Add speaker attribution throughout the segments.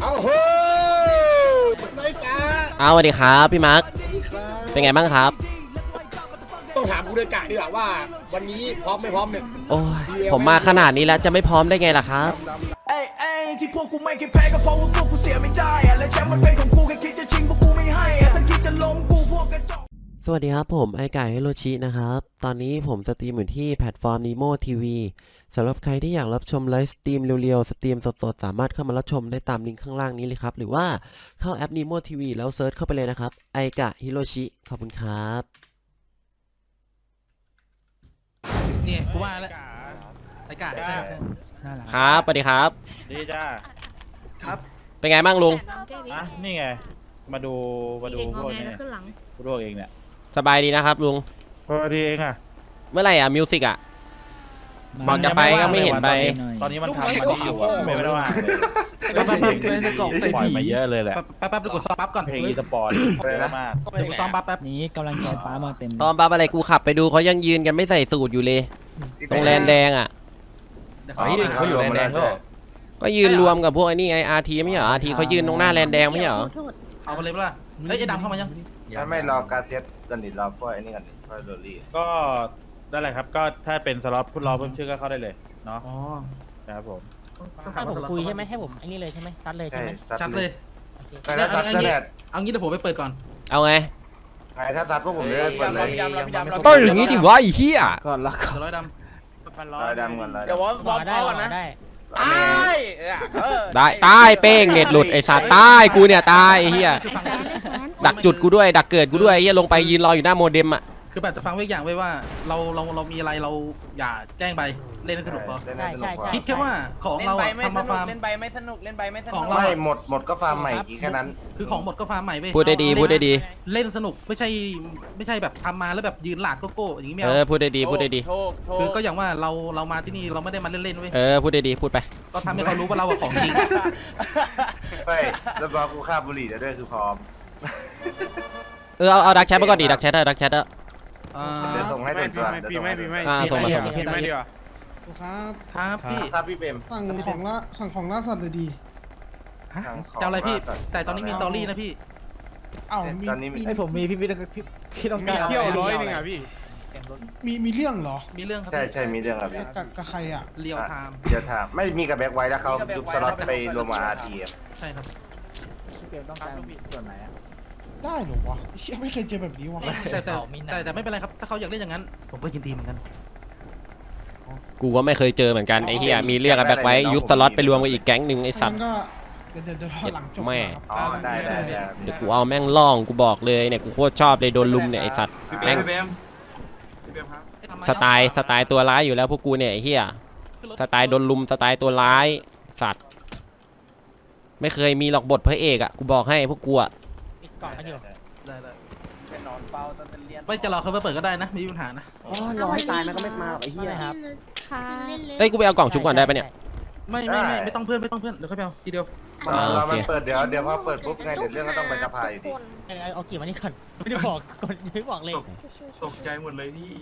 Speaker 1: เอาเฮ้ยนายกา
Speaker 2: สวัสดีครับพี่มาร์คเป็นไงบ้างครับ
Speaker 1: ต้องถามกูนายกาดีกว่าว่าวันนี้พร้อมไม่พร้อมเนี่ย
Speaker 2: โอ้ยผมมาขนาดนี้แล้วจะไม่พร้อมได้ไงล่ะครับ
Speaker 3: ที่พวกกูไม่เคยแพ้ก็เพราะว่าพวกกูเสียไม่ได้และแชมป์มันเป็นของกูแค่คิดจะชิงพวกกูไม่ให้ถ้าคิดจะล้มกูพวกกระจอก
Speaker 2: สวัสดีครับผมไอไก่ฮิโรชินะครับตอนนี้ผมสตรีมอยู่ที่แพลตฟอร์ม Nemo TV สำหรับใครที่อยากรับชมไลฟ์สตรีมเร็วๆสตรีมสดๆสามารถเข้ามารับชมได้ตามลิงก์ข้างล่างนี้เลยครับหรือว่าเข้าแอป Nemo TV แล้วเซิร์ชเข้าไปเลยนะครับไอกะฮิโรชิขอบคุณครับ
Speaker 4: เนี่ยกูว่าแล้วไอ้กา
Speaker 2: ครับสวัสดีครับ
Speaker 5: ดีจ้า
Speaker 4: ครับ
Speaker 2: เป็นไงบ้างลุง
Speaker 5: อ่ะนี่ไงมาดูพวกนี้พวกเองเนี่ย
Speaker 2: สบายดีนะครับลุง
Speaker 5: พอดีเองอ่ะ
Speaker 2: เมื่อไหร่อ่ะมิวสิกอ่ะบอกจะไปก็ไม่เห็นไป
Speaker 5: ตอนนี้มันทำมันอยู่อ่ะไม่ได้ว่างเลยปล่อยมาเยอะเลยแหละ
Speaker 4: แป๊บๆเดี๋ยวกูซ้อมปั๊บก่อน
Speaker 5: เพลงอีสปอร์ตเยอะมาก
Speaker 4: เดี๋ยวกูซ้อมปั๊บแป๊บ
Speaker 6: นี้กำลังใจฟ้ามาเต็ม
Speaker 2: ตอนปั๊บอะไรกูขับไปดูเขายังยืนกันไม่ใส่สูตรอยู่เลยตรงแลนแดงอ่ะ
Speaker 5: เขาอยู่แลนแดง
Speaker 2: ก็ยืนรวมกับพวกไอ้นี่ไงอาร์ทีไม่เหรออาร์ทีเขายืนตรงหน้าแลนแดงไม่เหรอ
Speaker 4: เอาไปเลยเปล่าเฮ้ยไอ้ดำเข้ามายัง
Speaker 7: ไม่รอการเทสกันดิรอพวกไอ้นี่กันดิพวกโรลี่
Speaker 5: ก็ได้เลยครับก็ถ้าเป็นสล็อตรอเพิ่มชื่อก็เข้าได้เลยเนาะ
Speaker 4: อ๋อ
Speaker 5: ครับผม
Speaker 6: ให้ผมคุยใช่ไหมให้ผมไอ้นี่เลยใช่ไหมซัดเลยใช่ไหม
Speaker 4: ซัดเลยเอางี้เดี๋ยวผมไปเปิดก่อน
Speaker 2: เอาไง
Speaker 7: ถ้าซัดพวกผมได้เปิดเลย
Speaker 2: ต้องอย่างนี้ดิวะไอ้เหี้ย
Speaker 4: ก่อนละร้อยด
Speaker 7: ำร้อยดำก่อนเลย
Speaker 6: เดี๋ยววอร์มก่อนนะ
Speaker 2: ได้ตายเป้งเน็ตหลุดไอ้สัตว์ตายกูเนี่ยตายไอ้เหี้ยดักจุดกูด้วยดักเกิดกูด้วยไอ้เหี้ยลงไปยืนรออยู่หน้าโมเด็มอ่ะ
Speaker 4: คือแบบจะฟังไว้อย่างไว้ว่าเรามีอะไรเราอย่าแจ้งไปเล่นให้สนุกพอคิดแค่ว่าของเราทำมาฟาร์ม
Speaker 8: เล่นใบไม่สนุกเล่นใบไม่สนุก
Speaker 4: ของ
Speaker 7: เราไม่หมดก็ฟาร์มใหม่กี่แค่นั้น
Speaker 4: คือของหมดก็ฟาร์มใหม่ไป
Speaker 2: พูดได้ดีพูดได้ดี
Speaker 4: เล่นสนุกไม่ใช่แบบทำมาแล้วแบบยืนหลาดโก้อย่างนี้ไม่
Speaker 2: เอาพูดได้ดีพูดได้ดี
Speaker 4: คือก็อย่างว่าเรามาที่นี่เราไม่ได้มาเล่นๆเว้ย
Speaker 2: พูดได้ดีพูดไป
Speaker 4: ก็ทำให้เขารู้ว่าเราของจริง
Speaker 7: ไม่แล้วบอกกูฆ่าบุหรี่ได้ด้วยคือพร้อม
Speaker 2: เอาดักแชทมาก่อนดิดักแชทดักแชท
Speaker 7: เดี๋ยวส่งให้ตัวส่งมา
Speaker 2: ส่งมา
Speaker 5: พี่ไม่ดีกว่า
Speaker 4: ครับ
Speaker 7: พี่เปม
Speaker 9: สั่งของล่าสัตว์เลยดี
Speaker 4: จะอะไรพี่แต่ตอนนี้มีตอรี่นะพี่
Speaker 7: ตอนนี้
Speaker 6: ให้ผมมีพี่ต้องการ
Speaker 5: เที่ยว100นึงอ่ะพี่
Speaker 9: มีเรื่องเหรอ
Speaker 4: มีเรื่องครับ
Speaker 7: ใช่มีเรื่องครับ
Speaker 9: กับใครอ่ะ
Speaker 4: เรียวไทม์
Speaker 7: ไม่มีกับแบ็คไว้แล้วเขายุบสล็อตไปรวมมาอาร์ที
Speaker 4: ใช่ครับ
Speaker 6: พี่เปต้องการส่วนไหนอ่ะ
Speaker 9: ได้หรอวะไม่เคยเจอแบบนี้วะ
Speaker 4: แต่ไม่เป็นไรครับถ้าเขาอยากเล่นอย่างนั้นผมก็ยินดีเหมือนกัน
Speaker 2: กูก็ไม่เคยเจอเหมือนกันไอ้เหี้ยมีเรื่องกันแบ็คไว้ยุบสล็อตไปรวมกับอีกแก๊งหนึ่งไอ้สัตว์
Speaker 9: เดี๋ยวหลังจบ
Speaker 2: แม่
Speaker 7: ได้
Speaker 2: เดี๋ยวกูเอาแม่งล่องกูบอกเลยเนี่ยกูโคตรชอบเลยโดนลุมเนี่ยไอ้สัตว์แม่งสไตล์ตัวร้ายอยู่แล้วพวกกูเนี่ยไอ้เหี้ยสไตล์โดนลุมสไตล์ตัวร้ายสัตว์ไม่เคยมีหรอกบทพระเอกอ่ะกูบอกให้พวกกูอ่ะ
Speaker 6: ก่อนกันอยู่
Speaker 4: ได้ไม่จะรอเขาไปเปิดก็ได้นะไม่มีปัญหานะ
Speaker 8: รอให้ตายมันก็ไม่มาไอ้เหี้ยครับ
Speaker 2: เฮ้ยกูไปเอากล่องชุบก่อนได้ปะเนี่ย
Speaker 4: ไม่ต้องเพื่อนเดี๋ยวเขาไปเอาทีเดียว
Speaker 7: เรามันเปิดเดี๋ยวพอเปิดปุ๊บไงเดี๋ยวเรื่องก็ต้องไปสภาอยู่ดี
Speaker 6: เอากี่วันนี้ก่อนไม่ได้บอกก่อนไม่บอกเลย
Speaker 5: ตกใจหมดเลยพี่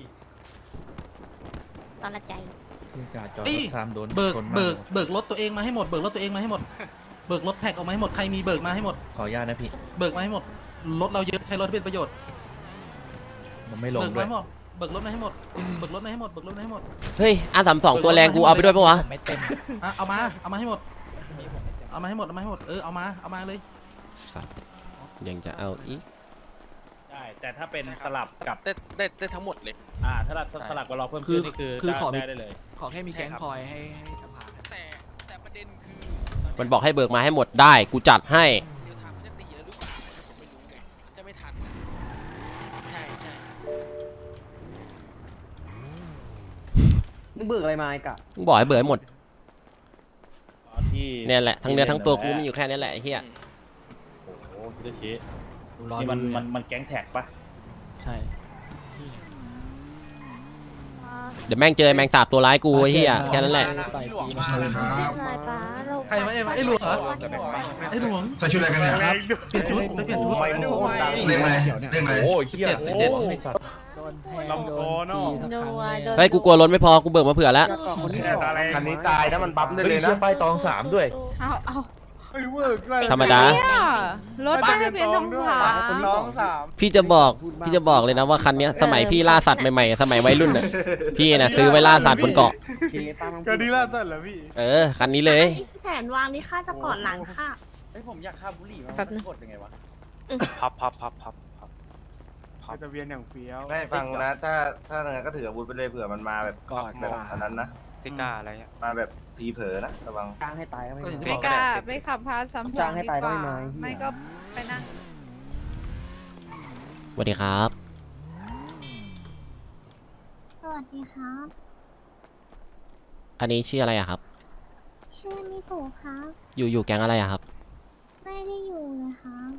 Speaker 8: ตอนละใจ
Speaker 4: เบิกรถตัวเองมาให้หมดเบิกรถตัวเองมาให้หมดเบิกรถแท็กออกมาให้หมดใครมีเบิกมาให้หมด
Speaker 6: ขออนุญาตนะพี่
Speaker 4: เบิกมาให้หมดรถเราเยอะใช้รถเป็นประโยชน์
Speaker 6: มันไม่ลงด้วย
Speaker 4: เบิกรถมาให้หมดเบิกรถมาให้หมด
Speaker 2: เฮ้ยR32ตัวแรงกูเอาไปด้วยปะวะ
Speaker 4: ไม่เต็มเอามาให้หมดเอามาให้หมดเอามาเลย
Speaker 2: ยังจะเอาอีก
Speaker 5: ได้แต่ถ้าเป็นสลับกับ
Speaker 8: ได้ทั้งหมดเลย
Speaker 5: ถ้าสลับกับเราเพิ่มขึ้นนี่คือได้เลย
Speaker 4: ขอแค่มีแก๊งคอยให้สภา
Speaker 8: แต่ประเด็นคือ
Speaker 2: มันบอกให้เบิกมาให้หมดได้กูจัดให้
Speaker 8: มึงเบิกอะไรมาไอ้กะ
Speaker 2: มึงบอกให้เบิกหมดเนี่ยแหละทั้งเนื้อทั้งตัวกูมีอยู่แค่นี้แหละไอ้เหี้ย
Speaker 5: โอ้โหพี่ตะชี้นี่มันแก๊งแท็กปะ
Speaker 4: ใช่
Speaker 2: เดี๋ยวแม่งเจอแมงสาบตัวร้ายกูไอ้เหี้ยแค่นั้นแหละ
Speaker 4: ใครมาไอ้หลวงเหรอไอ้หลวง
Speaker 9: ใส่ชุดอะไรกันเนี่ยครับ
Speaker 4: เปลี่ยนชุด
Speaker 7: ไม่โคตรดัง
Speaker 9: เรื่องอะไร
Speaker 5: โอ้ยเหี้ย
Speaker 4: ไอ้สัตว์
Speaker 5: ลำคอเนาะ
Speaker 2: เฮ้ยกูกลัวล้นไม่พอกูเบิกมาเผื่อแล้ว
Speaker 7: คันนี้ตายนะมันบั๊มได้เลยนะ
Speaker 6: ไปตอง3ด้วย
Speaker 2: ธรรมดา
Speaker 7: รถป้ายทะเบียนทองขาวน้องสาม
Speaker 2: พี่จะบอกเลยนะว่าคันเนี้ยสมัยพี่ล่าสัตว์ใหม่ๆสมัยวัยรุ่นน่ะพี่น่ะซื้อไว้ล่าสัตว์บนเกาะ
Speaker 7: ก็ดีล่าสุดเหรอพี่
Speaker 2: คันนี้เลย
Speaker 10: แสนวางนี่ค่าจะกอดหลังค่ะ
Speaker 7: ไอ้ผมอยากฆ่าบุหรี่มันกดยังไงวะ
Speaker 5: พับทะเบียนอย่างเฟี้ยว
Speaker 7: ไม่ฟังนะถ้าอย่างนั้นก็ถืออาวุธไปเลยเผื่อมันมาแบบแบบอันนั้นนะ
Speaker 5: ซิก้าอะไรเงี้ย
Speaker 7: มาแบบพีเผลอนะระวัง
Speaker 8: จ้างให้ตายก็ไม่
Speaker 4: ก็อย่างที่
Speaker 8: มา
Speaker 4: บอก
Speaker 10: กล้าไปขับพาซ้ำ
Speaker 8: จ้างให้ตายก็ไม่มา
Speaker 10: ไม่ก็ไปนั่ง
Speaker 2: สวัสดีครับ
Speaker 10: สวัสดีครับ
Speaker 2: อันนี้ชื่ออะไรอะครับ
Speaker 10: ชื่อมิโกะครับ
Speaker 2: อยู่แก๊งอะไรอะครับ
Speaker 10: ไม่ได้อยู่เลยครับ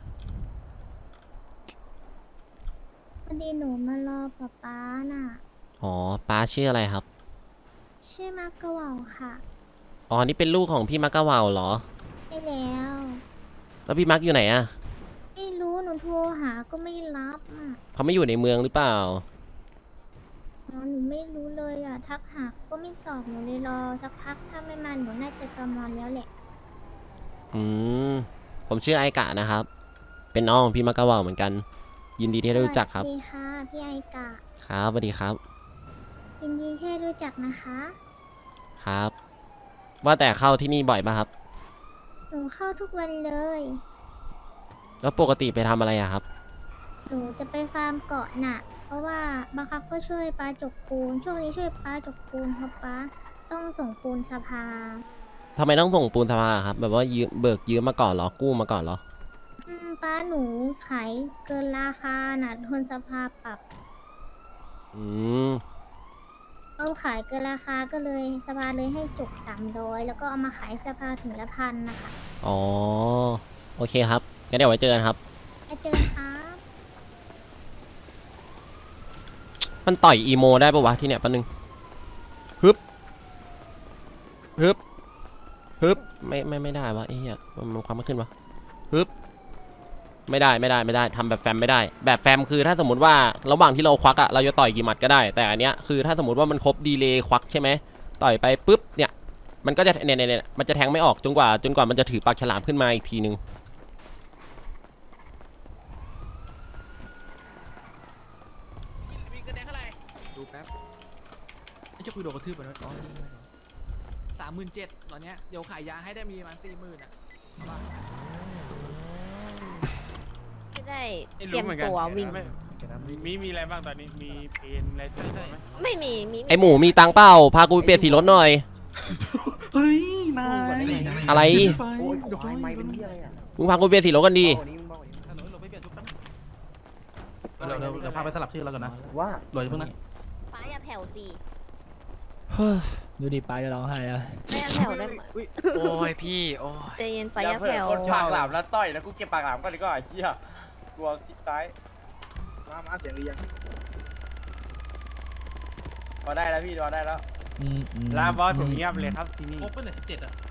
Speaker 10: พอดีหนูมารอป๊าน่ะ
Speaker 2: อ๋อป้าชื่ออะไรครับ
Speaker 10: ชื่อมากกะเหว่าค่ะ
Speaker 2: อ๋อนี่เป็นลูกของพี่มักกะเหว่าเหรอ
Speaker 10: ไปแล้ว
Speaker 2: แล้วพี่มักอยู่ไหนอะ
Speaker 10: ไม่รู้หนูโทรหาก็ไม่รับอ่ะ
Speaker 2: เขาไม่อยู่ในเมืองหรือเปล่า
Speaker 10: หนูไม่รู้เลยอ่ะ ทักหาก็ไม่ตอบหนูเลยรอสักพักถ้าไม่มาหนูน่าจะกำลังแล้วแหละ
Speaker 2: ผมชื่อไอกะนะครับ เป็นน้องของพี่มักกะเหว่าเหมือนกัน ยินดีที่ได้รู้จักครับ
Speaker 10: สวัสดีค่ะพี่ไอกะ
Speaker 2: ครับสวัสดีครับ
Speaker 10: ยินดีที่ได้รู้จักนะคะ
Speaker 2: ครับ ว่าแต่เข้าที่นี่บ่อยป่ะครับ
Speaker 10: หนูเข้าทุกวันเลย
Speaker 2: แล้วปกติไปทำอะไรอะครับ
Speaker 10: หนูจะไปฟาร์มเกาะน่ะ เพราะว่าบางครั้งก็ช่วยป้าจกปูน ช่วงนี้ช่วยป้าจกปูนเพราะป้าต้องส่งปูนสภา
Speaker 2: ทำไมต้องส่งปูนสภาครับ แบบว่ายืมมาก่อนเหรอ กู้มาก่อนเหรอ
Speaker 10: ป้าหนูขายเกินราคาน่ะโดนสภาปรับ
Speaker 2: อืม
Speaker 10: เขาขายเกินราคาก็เลยสภาเลยให้จก300แล้วก็เอามาขายสภาถึงละพันนะคะ
Speaker 2: อ๋อ โอเคครับ งั้นเดี๋ยวไว้เจอกันครับ
Speaker 10: ไปเจอครับ
Speaker 2: มันต่อยอีโมได้ปะวะที่เนี่ยแป๊บนึงฮึบไม่ได้วะไอ้เหี้ยมันความไม่ขึ้นวะฮึบไม่ได้ทำแบบแฟมไม่ได้ แบบแฟมคือถ้าสมมติว่าระหว่างที่เราควักอะเราจะต่อยกี่หมัดก็ได้ แต่อันเนี้ยคือถ้าสมมติว่ามันครบดีเลย์ควักใช่ไหมต่อยไปปุ๊บเนี่ยมันก็จะเนี่ยมันจะแทงไม่ออกจนกว่ามันจะถือปากฉลามขึ้นมาอีกทีนึง
Speaker 4: ดูแป๊บไอ้เจ้าคุยโดนกระทืบไปแล้วอ๋อ
Speaker 6: 37,000ตอนเนี้ยเดี๋ยวขายยาให้ได้มีประมาณ40,000อ่ะ
Speaker 10: จะได้
Speaker 5: เตรียมตัววิ่งมีอะไรบ้างตอนนี้ มีเพนอะไรตัวไหม
Speaker 10: ไม่มี
Speaker 2: ไอหมูมีตังค์เปล่าพากูไปเปลี่ยนสีรถหน่อย
Speaker 4: เฮ้ยนาย
Speaker 2: อะไร
Speaker 4: ไป
Speaker 8: โอ้ยควายไม่เป็นที่อะไรอ่ะ
Speaker 2: มึงพากูไปเปลี่ยนสีรถกันดี
Speaker 8: วันนี้มึงบอก
Speaker 4: เราไปเปลี่ยนชุดแป๊บเดี๋ยวพาไปสลับชื่อแล้วกันนะ
Speaker 8: ว่า
Speaker 4: รวยเพิ่งนะ
Speaker 10: ป้าอย่าแผ่วสิ
Speaker 6: ดูดิป้าจะร้องไห้แล้ว
Speaker 10: ไม่อย่าแผ่วได้ไหม
Speaker 5: โอ้ยพี่ โอ้ย
Speaker 10: ใจเย็นป้าอย่าแผ่ว
Speaker 7: ปากหลามแล้วต่อยแล้วกูเก็บปากหลามก่อนดีกว่าไอ้เหี้ยกลัวคิดตายมาเสียงดียังพอได้แล้วพี่พอได้แล้ว
Speaker 5: ลาบอสผมเงียบเลยครับที่นี่
Speaker 4: ครบเป็นไหน17อ่ะ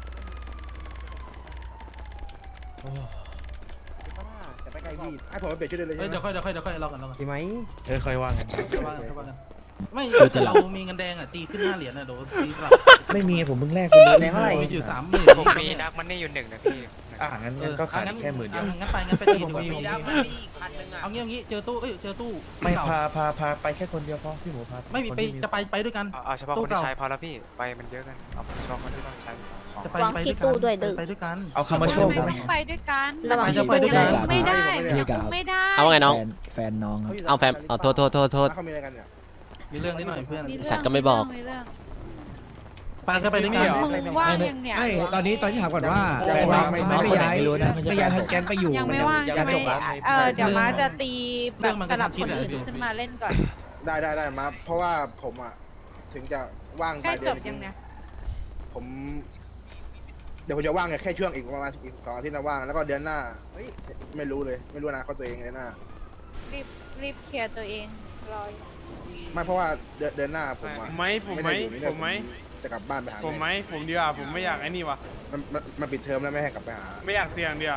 Speaker 8: จะไปไกลพี่
Speaker 1: ให้ผมไปเปลี่ยนชุดเลย
Speaker 4: เฮ้ยเดี๋ยวค่อยเรากัน
Speaker 8: ใช่ไหม
Speaker 5: ค่อยว่ากัน
Speaker 4: ว่ากันไม่เรามีเงินแดงอ่ะตีขึ้น5 เหรียญอ่ะโดนตีกลับ
Speaker 5: ไม่มีผมเพิ่งแลกไปเลย
Speaker 8: แดงเท่าไหร่
Speaker 4: มีอยู่30,000
Speaker 5: ผมมีดักมันนี่อยู่1นะพี่งั้นก็ขาดแค่10,000เดียว
Speaker 4: งั้นไปตีดูเอางี้เจอตู้
Speaker 5: ไม่พาไปแค่คนเดียวพอพี่หมูพา
Speaker 4: ไม่มีไปจะไปด้วยกัน
Speaker 5: เอาเฉพาะคนที่ใช้พอแล้วพี่ไปมันเยอะกันเอาเฉพาะคนที่ต้องใช้
Speaker 4: จะไปด้วยกัน
Speaker 5: เอาคำมาโชว์ผมไหม
Speaker 10: ไปด้วยกัน
Speaker 4: จะไปด้วยกัน
Speaker 10: ไม่ได้ไม่ได้
Speaker 2: เอาว่าไงน้อง
Speaker 6: แฟนน้องครับ
Speaker 2: เอาแฟมเอาโทษ
Speaker 1: เขามีอะไรกันเนี่ย
Speaker 4: มีเรื่องนิดหน่อยเพื่อน
Speaker 2: สัตว์ก็ไม่บอก
Speaker 4: ไปก็ไปด้วยกัน
Speaker 10: มึงว่างยังเนี่ย
Speaker 9: ตอนนี้ถามก่อนว่า
Speaker 6: ไม่ย้ายไม่ย้ายทางแก๊งไปอยู่
Speaker 10: ยังไม่ว่าง
Speaker 9: ยัง
Speaker 10: ไม่
Speaker 9: จบละ
Speaker 10: เดี๋ยวมาจะตีแบบสลับคนอื่นขึ้นมาเล่นก่อน
Speaker 1: ได้มาเพราะว่าผมอ่ะถึงจะว่าง
Speaker 10: ใกล้
Speaker 1: เดื
Speaker 10: จ
Speaker 1: อน
Speaker 10: บยังเนี่ย
Speaker 1: ผมเดี๋ยวผมจะว่างแค่ช่วงอีกประมาณอีก2 อาทิตย์นะว่างแล้วก็เดือนหน้าไม่รู้อนาคตตัวเองเดือนหน้า
Speaker 10: รีบเคลียร์ตัวเองรอ
Speaker 1: ไม่เพราะว่าเดือนหน้าผมอ่ะ
Speaker 5: ผมไหม
Speaker 1: จะกลับบ้านไปหา
Speaker 5: ผมดีกว่าผมไม่อยากไอ้นี่วะ
Speaker 1: มันปิดเทอมแล้วไม่ให้กลับไปหา
Speaker 5: ไม่อยากเสี่ยงเดียว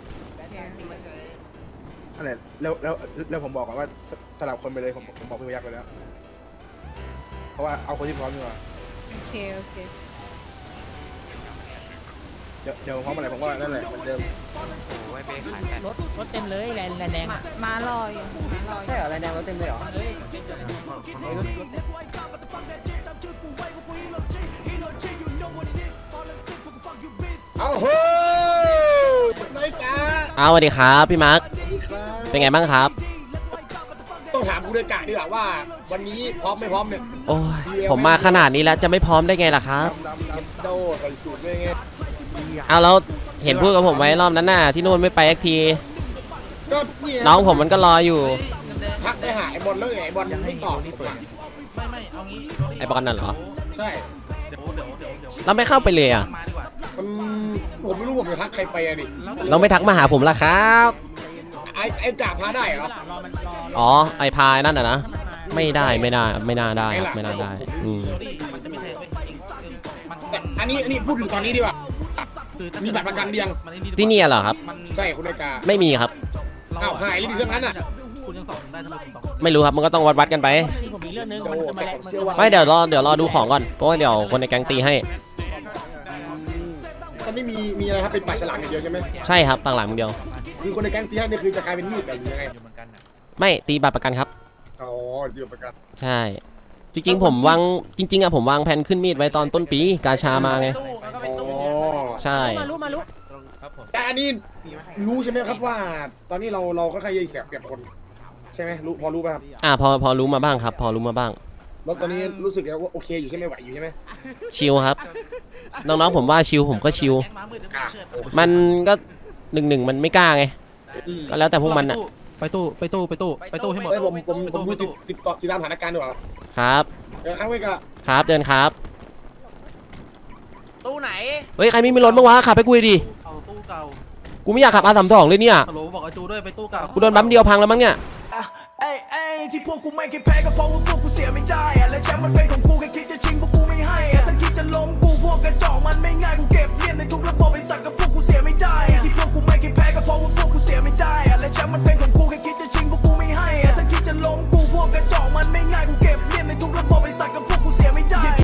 Speaker 1: นั่นแหละแล้วผมบอกก่อนว่าสลับคนไปเลยผมบอกพี่พยักไปแล้ว เพราะว่าเอาคนที่พร้อมดีกว่า
Speaker 10: โอเค
Speaker 1: เดี๋ยวพร้อมอะไรผมว่านั่นแหละเหมือนเดิม
Speaker 6: รถเต็มเลยแลนแดง
Speaker 10: มารออยู่มารออยู่
Speaker 8: ใช่เหรออะไรแดงรถเต็มเลยเหรอ
Speaker 1: เอาเฮ้ยไม่กล้า
Speaker 2: เอาสวัสดีครับพี่มาร์ค
Speaker 1: ครับ
Speaker 2: เป็นไงบ้างครับ
Speaker 1: ต้องถามกูด้วยกะดีกว่าว่า วันนี้พร้อมไม่พร้อมเนี่ย
Speaker 2: โอ้ยผมมาขนาดนี้แล้วจะไม่พร้อมได้ไงล่ะครับ
Speaker 1: ดำโดใส่สูตรด้วยไง
Speaker 2: เอาแล้วเห็นพูดกับผมไว้รอบนั้นน่ะที่นู่นไม่ไปสักที
Speaker 1: ก็เนี่ย
Speaker 2: น้องผมมันก็รออยู่
Speaker 1: พักได้หาไอ้บอลแล้วไงไอ้บอลไม่ตอบ
Speaker 4: ไม่เอางี้
Speaker 2: ไอ้บอลน่ะเหรอ
Speaker 1: ใช่
Speaker 4: เดี๋ยว
Speaker 2: เราไม่เข้าไปเลยอ่ะ
Speaker 4: มาดีกว่า
Speaker 1: มันผมไม่รู้ผมจะทักใครไปอะดิ
Speaker 2: เราไม่ทักมาหาผมล่ะครับ
Speaker 1: ไอ้จ่าพาได้เหรอ
Speaker 2: อ๋อไอพายนั่นน่ะนะไม่น่าได้ครับไม่น่าได้อืม
Speaker 4: มันจะไม่ใช่มัน
Speaker 1: แต่อันนี้พูดถึงตอนนี้ดีกว่า
Speaker 4: คือ
Speaker 1: มีบัตรประกันเดียง
Speaker 2: ที่นี่เหรอครับ
Speaker 1: ใช่คุณนายกา
Speaker 2: ไม่มีครับ
Speaker 1: อ้าวหายหรือเรื่องนั้นน่ะ
Speaker 4: คุณยังสอนได้ทำไมคุณสอน
Speaker 2: ไม่รู้ครับมันก็ต้องวัดกันไป
Speaker 6: ผมมีเรื่องนึง
Speaker 1: โอ้แต่ผมเชื่อว่า
Speaker 2: ไม่เดี๋ยวรอดูของก่อนเพราะว่าเดี๋ยวคนในแก๊งตีให้
Speaker 1: ตอนนี้มีอะไรครับเป็นปลาฉลามอย่างเดียวใช่ไหม
Speaker 2: ใช่ครับต่างหลังมึงเดียว
Speaker 1: คือคนในแก๊งตีให้นี่คือจะกลายเป็นมีดแบบยังไง
Speaker 2: ไม่ตีบัตรประกันครับ
Speaker 1: อ๋อเดียวประกัน
Speaker 2: ใช่ จริงๆผมวางผมวางแผนขึ้นมีดไว้ตอนต้นปีกาชามาไง
Speaker 1: อ๋อ
Speaker 2: ใช่
Speaker 6: มารู้
Speaker 1: แต่อันนี้รู้ใช่ไหมครับว่า ตอนนี้เราค่อนข้างจะเสียเปรียบคน ใช่ไหมรู้พอรู้ป่ะครับ
Speaker 2: พอรู้มาบ้างครับ พอรู้มาบ้าง
Speaker 1: แล้วตอนนี้รู้สึกว่าโอเคอยู่ใช่ไหมไหวอยู่ใช่ไหม
Speaker 2: ชิลครับน้องๆผมว่าชิลผมก็ชิลมันก็1-1มันไม่กล้าไงก็แล้วแต่พวกมันอ่ะ
Speaker 4: ไปตู้ให้หมด
Speaker 1: เอ้ยผมดูติดตามสถานการณ์ดีกว่า
Speaker 2: ครับ
Speaker 1: เดี๋ยวครั้งไว้ก็
Speaker 2: ครับเดินครับ
Speaker 7: ตู้ไหน
Speaker 2: เฮ้ยใครไม่มีรถบ้างวะขับไปกูดิ
Speaker 4: เอาตู้เก่า
Speaker 2: กูไม่อยากขับR32เลยเนี่ย
Speaker 4: ฮัลโหลบอกไอจูด้วยไปตู้เก่า
Speaker 2: กูโดนบัมเดียวพังแล้วมั้งเนี่ย
Speaker 3: เอ้ยที่พวกกูไม่เคยแพ้ก็เพราะว่าพวกกูเสียไม่ได้อะและแชมป์มันเป็นของกูแค่คิดจะชิงพวกกูไม่ให้อะถ้าคิดจะล้มกูพวกกระจอกมันไม่ง่ายกูเก็บเลียนในทุกระบบไอ้สัตว์กับ